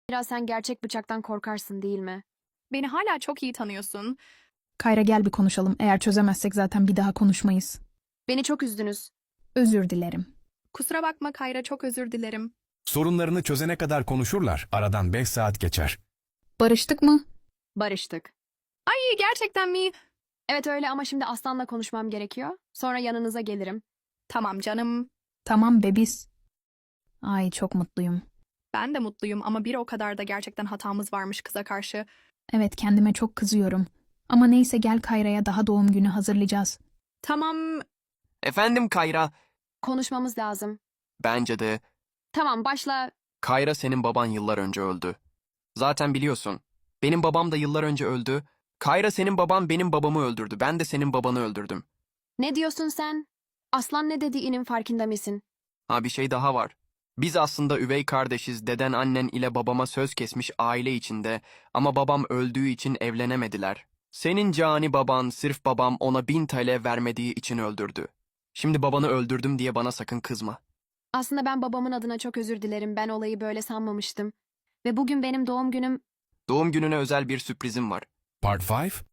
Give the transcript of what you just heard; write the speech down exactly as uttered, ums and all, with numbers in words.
Biraz sen gerçek bıçaktan korkarsın değil mi? Beni hala çok iyi tanıyorsun. Kayra gel bir konuşalım. Eğer çözemezsek zaten bir daha konuşmayız. Beni çok üzdünüz. Özür dilerim. Kusura bakma Kayra, çok özür dilerim. Sorunlarını çözene kadar konuşurlar. Aradan beş saat geçer. Barıştık mı? Barıştık. Ay, gerçekten mi? Evet öyle ama şimdi Aslan'la konuşmam gerekiyor. Sonra yanınıza gelirim. Tamam canım. Tamam bebiz. Ay çok mutluyum. Ben de mutluyum ama bir o kadar da gerçekten hatamız varmış kıza karşı. Evet kendime çok kızıyorum. Ama neyse gel Kayra'ya daha doğum günü hazırlayacağız. Tamam, Efendim Kayra, Konuşmamız lazım. bence de. Tamam başla. Kayra senin baban yıllar önce öldü. Zaten biliyorsun. Benim babam da yıllar önce öldü. Kayra senin baban benim babamı öldürdü. Ben de senin babanı öldürdüm. Ne diyorsun sen? Aslan ne dediğinin farkında mısın? Ha bir şey daha var. Biz aslında üvey kardeşiz. Deden annen ile babama söz kesmiş aile içinde ama babam öldüğü için evlenemediler. Senin cani baban sırf babam ona bin T L vermediği için öldürdü. Şimdi babanı öldürdüm diye bana sakın kızma. Aslında ben babamın adına çok özür dilerim. Ben olayı böyle sanmamıştım. Ve bugün benim doğum günüm. Doğum gününe özel bir sürprizim var. Part beş?